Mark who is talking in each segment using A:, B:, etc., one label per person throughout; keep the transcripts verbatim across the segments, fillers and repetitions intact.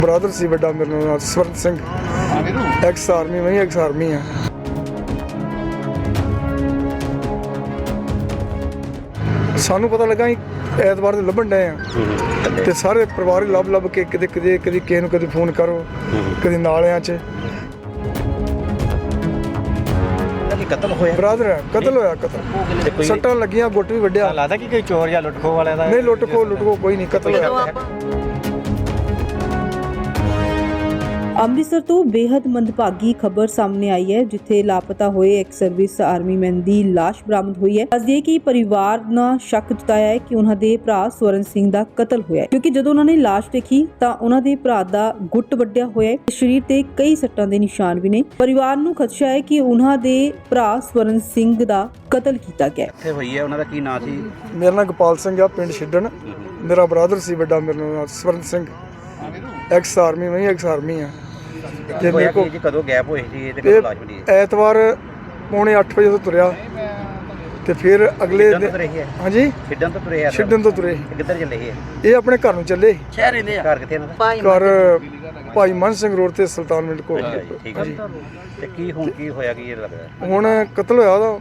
A: Brother ਸੀ ਵੱਡਾ ਮੇਰੇ ਨਾਲ ਸਵਰਨ ਸਿੰਘ ਐਕਸ ਆਰਮੀ ਮੈਂ ਐਕਸ ਆਰਮੀ ਆ। ਸਾਨੂੰ ਪਤਾ ਲੱਗਾ ਅਸੀਂ ਐਤਵਾਰ ਦੇ ਲੱਭਣ ਡਏ ਆ ਤੇ ਸਾਰੇ ਪਰਿਵਾਰ ਹੀ ਲੱਭ ਲੱਭ ਕੇ ਕਿਤੇ ਕਿਤੇ ਕਦੀ ਕਿਸੇ ਨੂੰ ਕਦੇ ਫੋਨ ਕਰੋ ਕਦੇ ਨਾਲਿਆਂ 'ਚ।
B: ਕਤਲ ਹੋਇਆ
A: ਬ੍ਰਦਰ ਹੈ, ਕਤਲ ਹੋਇਆ ਕਤਲ ਸੱਟਾਂ ਲੱਗੀਆਂ, ਗੁੱਟ ਵੀ ਵੱਢਿਆ।
B: ਲੱਗਦਾ ਕਿ ਕੋਈ ਚੋਰ ਜਾਂ ਲੁੱਟਖੋ ਵਾਲਿਆਂ ਦਾ
A: ਨਹੀਂ, ਲੁੱਟ ਖੋ ਲੁੱਟ ਖੋ ਕੋਈ ਨਹੀਂ, ਕਤਲ ਹੋਇਆ।
C: ਅੰਮ੍ਰਿਤਸਰ ਤੋਂ ਬੇहद ਮੰਦਭਾਗੀ ਖਬਰ ਸਾਹਮਣੇ ਆਈ ਹੈ, ਜਿੱਥੇ ਲਾਪਤਾ ਹੋਏ ਇੱਕ ਸਰਵਿਸ ਆਰਮੀ ਮੈਨ ਦੀ ਲਾਸ਼ ਬਰਾਮਦ ਹੋਈ ਹੈ। ਦੱਸਦੀਏ ਕਿ ਪਰਿਵਾਰ ਨੇ ਸ਼ੱਕ ਜਤਾਇਆ ਹੈ ਕਿ ਉਹਨਾਂ ਦੇ ਭਰਾ ਸਵਰਨ ਸਿੰਘ ਦਾ ਕਤਲ ਹੋਇਆ ਹੈ, ਕਿਉਂਕਿ ਜਦੋਂ ਉਹਨਾਂ ਨੇ ਲਾਸ਼ ਦੇਖੀ ਤਾਂ ਉਹਨਾਂ ਦੇ ਭਰਾ ਦਾ ਗੁੱਟ ਵੱਢਿਆ ਹੋਇਆ ਹੈ, ਸਰੀਰ ਤੇ ਕਈ ਸੱਟਾਂ ਦੇ ਨਿਸ਼ਾਨ ਵੀ ਨੇ। ਪਰਿਵਾਰ ਨੂੰ ਖਦਸ਼ਾ ਹੈ ਕਿ ਉਹਨਾਂ ਦੇ ਭਰਾ ਸਵਰਨ ਸਿੰਘ ਦਾ ਕਤਲ ਕੀਤਾ ਗਿਆ।
B: ਇੱਥੇ ਹੋਈ ਹੈ, ਉਹਨਾਂ ਦਾ ਕੀ ਨਾਂ ਸੀ?
A: ਮੇਰਾ ਨਾਮ ਗੋਪਾਲ ਸਿੰਘ ਆ, ਪਿੰਡ ਛਿੱਡਣ। ਮੇਰਾ ਬ੍ਰਦਰ ਸੀ ਵੱਡਾ ਮੇਰੇ ਨਾਲ ਸਵਰਨ ਸਿੰਘ ਐਕਸ ਆਰਮੀ ਮੈਂ ਐਕਸ ਆਰਮੀ ਆ।
B: ਤੇ ਮੇਰੇ ਕੋਲ ਕਦੋਂ ਗੈਪ ਹੋਈ ਸੀ ਇਹ ਤੇ ਕਦੋਂ ਲਾਸ਼ ਮਿਲੀ?
A: ਐਤਵਾਰ ਪੌਣੇ ਅੱਠ ਵਜੇ ਤੋਂ ਤੁਰਿਆ ਤੇ ਫਿਰ ਅਗਲੇ ਦਿਨ ਹਾਂਜੀ
B: ਛਿੱਡਣ ਤੋਂ ਤੁਰੇ ਆ।
A: ਛਿੱਡਣ ਤੋਂ ਤੁਰੇ।
B: ਕਿੱਧਰ ਚੱਲੇ ਇਹ?
A: ਇਹ ਆਪਣੇ ਘਰ ਨੂੰ ਚੱਲੇ।
B: ਸ਼ਹਿਰ ਰਹਿੰਦੇ ਆ? ਘਰ ਕਿੱਥੇ ਇਹਨਾਂ ਦਾ?
A: ਘਰ ਭਾਈ ਮਨ ਸਿੰਘ ਰੋਡ ਤੇ ਸੁਲਤਾਨ ਮਿੰਟ ਕੋਲ।
B: ਠੀਕ ਹੈ ਜੀ। ਤੇ ਕੀ ਹੁਣ ਕੀ ਹੋਇਆ ਕੀ ਇਹ ਲੱਗਦਾ?
A: ਹੁਣ ਕਤਲ ਹੋਇਆ ਉਹਦਾ।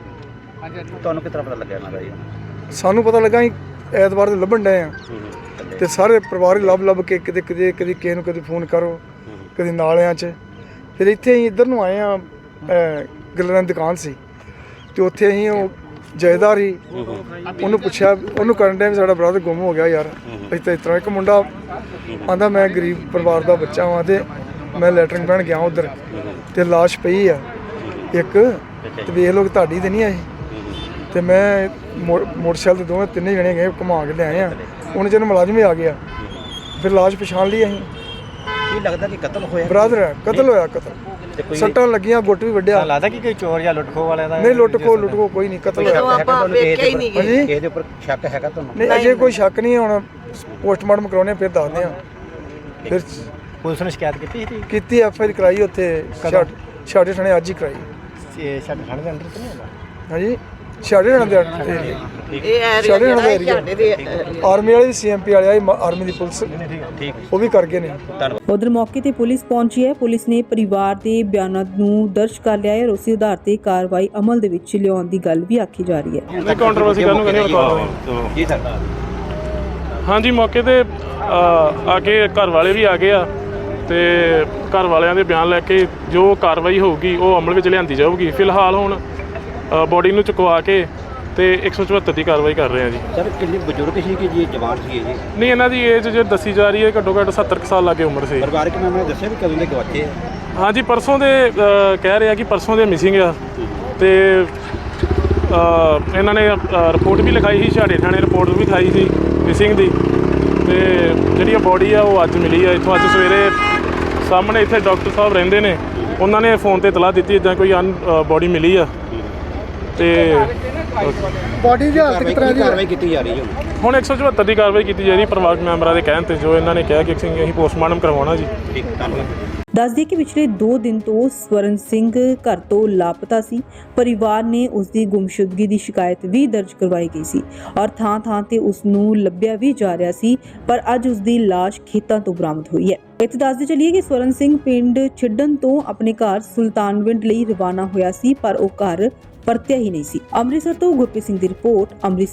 B: ਤੁਹਾਨੂੰ ਕਿਸ ਤਰ੍ਹਾਂ ਪਤਾ ਲੱਗਿਆ ਇਹਨਾਂ ਦਾ ਜੀ?
A: ਸਾਨੂੰ ਪਤਾ ਲੱਗਾ ਅਸੀਂ ਐਤਵਾਰ ਦੇ ਲੱਭਣ ਡਏ ਆ ਤੇ ਸਾਰੇ ਪਰਿਵਾਰ ਹੀ ਲੱਭ ਲੱਭ ਕੇ ਕਿਤੇ ਕਿਤੇ ਕਦੀ ਕਿਸੇ ਨੂੰ ਕਦੇ ਫੋਨ ਕਰੋ ਕਦੇ ਨਾਲਿਆਂ 'ਚ। ਫਿਰ ਇੱਥੇ ਅਸੀਂ ਇੱਧਰ ਨੂੰ ਆਏ ਆ, ਗੱਲਾਂ ਦੀ ਦੁਕਾਨ ਸੀ ਤੇ ਉੱਥੇ ਅਸੀਂ ਉਹ ਜਾਇਦਾਰ ਹੀ ਉਹਨੂੰ ਪੁੱਛਿਆ, ਉਹਨੂੰ ਕਰਨ ਡਿਆ ਵੀ ਸਾਡਾ ਬ੍ਰਦਰ ਗੁੰਮ ਹੋ ਗਿਆ ਯਾਰ। ਅਸੀਂ ਤਾਂ ਇਸ ਤਰ੍ਹਾਂ ਇੱਕ ਮੁੰਡਾ ਆਂਦਾ ਮੈਂ ਗਰੀਬ ਪਰਿਵਾਰ ਦਾ ਬੱਚਾ ਵਾਂ ਤੇ ਮੈਂ ਲੈਟਰਿੰਗ ਪੈਣ ਗਿਆ ਉੱਧਰ ਤੇ ਲਾਸ਼ ਪਈ ਆ ਇੱਕ, ਤੇ ਵੇਖ ਲਓ ਤੁਹਾਡੀ ਤੇ ਨਹੀਂ ਆਈ। ਤੇ ਮੈਂ ਮੋਟਰਸਾਈਕਲ ਤੇ ਦੋਵੇਂ ਤਿੰਨੇ ਜਣੇ ਗਏ ਘੁਮਾ ਕੇ ਲਿਆਏ ਆ। ਉਹਨੇ ਜਦੋਂ ਮੁਲਾਜ਼ਮ ਵੀ ਆ ਗਿਆ ਫਿਰ ਲਾਸ਼ ਪਛਾਣ ਲਈ ਅਸੀਂ।
B: ਕੀ ਲੱਗਦਾ ਕਿ ਕਤਲ ਹੋਇਆ?
A: ਬ੍ਰਦਰ ਹੈ, ਕਤਲ ਹੋਇਆ ਕਤਲ ਸੱਟਾਂ ਲੱਗੀਆਂ, ਗੁੱਟ ਵੀ ਵੱਢਿਆ।
B: ਲੱਗਦਾ ਕਿ ਕੋਈ ਚੋਰ ਜਾਂ ਲੁੱਟਖੋ ਵਾਲਿਆਂ ਦਾ?
A: ਨਹੀਂ, ਲੁੱਟ ਖੋ ਲੁੱਟ ਖੋ ਕੋਈ ਨਹੀਂ, ਕਤਲ ਹੋਇਆ।
B: ਆਪਾਂ ਵੇਖਿਆ ਹੀ ਨਹੀਂ ਜੀ। ਕਿਸੇ ਦੇ ਉੱਪਰ ਸ਼ੱਕ ਹੈਗਾ ਤੁਹਾਨੂੰ?
A: ਨਹੀਂ, ਅਜੇ ਕੋਈ ਸ਼ੱਕ ਨਹੀਂ। ਹੁਣ ਪੋਸਟਮਾਰਟਮ ਕਰਾਉਣੇ ਫਿਰ ਦੱਸਦੇ ਆ। ਫਿਰ
B: ਪੁਲਿਸ ਨੇ ਸ਼ਿਕਾਇਤ ਕੀਤੀ ਸੀ?
A: ਕੀਤੀ, ਐਫ ਆਈ ਆਰ ਕਰਾਈ ਉੱਥੇ ਛਾੜੇ ਥਾਣੇ ਅੱਜ ਹੀ ਕਰਾਈ।
B: ਇਹ ਸਾਡੇ ਥਾਣੇ ਦੇ ਅੰਦਰ ਤਾਂ ਨਹੀਂ ਹੁੰਦਾ?
A: ਹਾਂਜੀ, ਛਾੜੇ ਥਾਣੇ ਦੇ
D: ਇਹ
A: ਛਾੜੇ ਥਾਣੇ ਦਾ ਏਰੀਆ ਆਰਮੀ ਵਾਲੇ ਸੀ, ਐਮ ਪੀ ਵਾਲੇ ਆਏ, ਆਰਮੀ ਦੀ ਪੁਲਿਸ ਉਹ ਵੀ ਕਰ ਗਏ ਨੇ।
C: ਉਧਰ ਮੌਕੇ ਤੇ ਪੁਲਿਸ ਪਹੁੰਚੀ ਹੈ। ਪੁਲਿਸ ਨੇ ਪਰਿਵਾਰ ਦੇ ਬਿਆਨਾਂ ਨੂੰ ਦਰਜ ਕਰ ਲਿਆ ਹੈ। ਉਸੇ ਆਧਾਰ ਤੇ ਕਾਰਵਾਈ ਅਮਲ ਦੇ ਵਿੱਚ ਲਿਆਉਣ ਦੀ ਗੱਲ ਵੀ ਆਖੀ ਜਾ ਰਹੀ ਹੈ।
E: ਨਹੀਂ, ਕੰਟਰੋਵਰਸੀ ਕਰਨ ਨੂੰ ਕਹਿੰਦੇ ਬਤਾ
B: ਜੀ ਸਰ।
E: ਹਾਂਜੀ, ਮੌਕੇ ਤੇ ਆ ਕੇ ਘਰ ਵਾਲੇ ਵੀ ਆ ਗਏ ਆ ਤੇ ਘਰ ਵਾਲਿਆਂ ਦੇ ਬਿਆਨ ਲੈ ਕੇ ਜੋ ਕਾਰਵਾਈ ਹੋਊਗੀ ਉਹ ਅਮਲ ਵਿੱਚ ਲਿਆਂਦੀ ਜਾਊਗੀ। ਫਿਲਹਾਲ ਹੁਣ ਬੋਡੀ ਨੂੰ ਚੁਕਵਾ ਕੇ ਤੇ ਇੱਕ ਸੌ ਚੁਹੱਤਰ ਦੀ ਕਾਰਵਾਈ ਕਰ ਰਹੇ ਆ ਜੀ।
B: ਸਰ ਕਿੰਨੇ ਬਜ਼ੁਰਗ ਸੀ ਕਿ ਜੀ ਜਵਾਨ ਸੀ ਇਹ ਜੀ?
E: ਨਹੀਂ, ਇਹਨਾਂ ਦੀ ਏਜ ਜੋ ਦੱਸੀ ਜਾ ਰਹੀ ਹੈ ਘੱਟੋ ਘੱਟ ਸੱਤਰ ਕੁ ਸਾਲ ਲਾਗੇ ਉਮਰ ਸੀ।
B: ਪਰਿਵਾਰਕ ਮੈਂਬਰਾਂ ਨੇ ਦੱਸਿਆ ਵੀ ਕਦੋਂ ਦੇ ਗਵਾਚੇ ਆ?
E: ਹਾਂਜੀ, ਪਰਸੋਂ ਦੇ ਕਹਿ ਰਹੇ ਆ ਕਿ ਪਰਸੋਂ ਦੇ ਮਿਸਿੰਗ ਆ ਤੇ ਇਹਨਾਂ ਨੇ ਰਿਪੋਰਟ ਵੀ ਲਿਖਾਈ ਸੀ, ਛਾੜੇ ਥਾਣੇ ਰਿਪੋਰਟ ਵੀ ਲਿਖਾਈ ਸੀ ਮਿਸਿੰਗ ਦੀ। ਤੇ ਜਿਹੜੀ ਆ ਬੋਡੀ ਆ ਉਹ ਅੱਜ ਮਿਲੀ ਆ ਇੱਥੋਂ। ਅੱਜ ਸਵੇਰੇ ਸਾਹਮਣੇ ਇੱਥੇ ਡਾਕਟਰ ਸਾਹਿਬ ਰਹਿੰਦੇ ਨੇ, ਉਹਨਾਂ ਨੇ ਫੋਨ ਤੇ ਇਤਲਾਹ ਦਿੱਤੀ ਇੱਦਾਂ ਕੋਈ ਅਨ ਬੋਡੀ ਮਿਲੀ ਆ ਤੇ
A: ਬੋਡੀ ਦੀ ਹਾਲਤ ਕਿਸ ਤਰ੍ਹਾਂ ਦੀ
B: ਕਾਰਵਾਈ ਕੀਤੀ ਜਾ ਰਹੀ ਹੈ?
E: ਹੁਣ ਇੱਕ ਸੌ ਚੁਹੱਤਰ ਦੀ ਕਾਰਵਾਈ ਕੀਤੀ ਜਾ ਰਹੀ ਪਰਿਵਾਰਕ ਮੈਂਬਰਾਂ ਦੇ ਕਹਿਣ ਤੇ, ਜੋ ਇਹਨਾਂ ਨੇ ਕਿਹਾ ਕਿ ਅਸੀਂ ਪੋਸਟਮਾਰਟਮ ਕਰਵਾਉਣਾ ਜੀ।
B: ਠੀਕ, ਧੰਨਵਾਦ।
C: ਦੱਸ ਦਈਏ ਕਿ ਪਿਛਲੇ ਦੋ ਦਿਨ ਤੋਂ ਸਵਰਨ ਸਿੰਘ ਘਰ ਤੋਂ ਲਾਪਤਾ ਸੀ। ਪਰਿਵਾਰ ਨੇ ਉਸ ਦੀ ਗੁੰਮਸ਼ੁਦਗੀ ਦੀ ਸ਼ਿਕਾਇਤ ਵੀ ਦਰਜ ਕਰਵਾਈ ਗਈ ਸੀ ਔਰ ਥਾਂ ਥਾਂ ਤੇ ਉਸ ਨੂੰ ਲੱਭਿਆ ਵੀ ਜਾ ਰਿਹਾ ਸੀ, ਪਰ ਅੱਜ ਉਸ ਦੀ ਲਾਸ਼ ਖੇਤਾਂ ਤੋਂ ਬਰਾਮਦ ਹੋਈ ਹੈ। ਇੱਥੇ ਦੱਸਦੇ ਚੱਲੀਏ ਕਿ ਸਵਰਨ ਸਿੰਘ ਪਿੰਡ ਛਿੱਡਣ ਤੋਂ ਆਪਣੇ ਘਰ ਸੁਲਤਾਨਵਿੰਡ ਲਈ ਰਵਾਨਾ ਹੋਇਆ ਸੀ, ਪਰ ਉਹ ਘਰ ਪਰਤਿਆ ਹੀ ਨਹੀਂ ਸੀ। ਅੰਮ੍ਰਿਤਸਰ ਤੋਂ ਗੁਰਪ੍ਰੀਤ ਸਿੰਘ ਦੀ ਰਿਪੋਰਟ। ਅੰਮ੍ਰਿਤਸਰ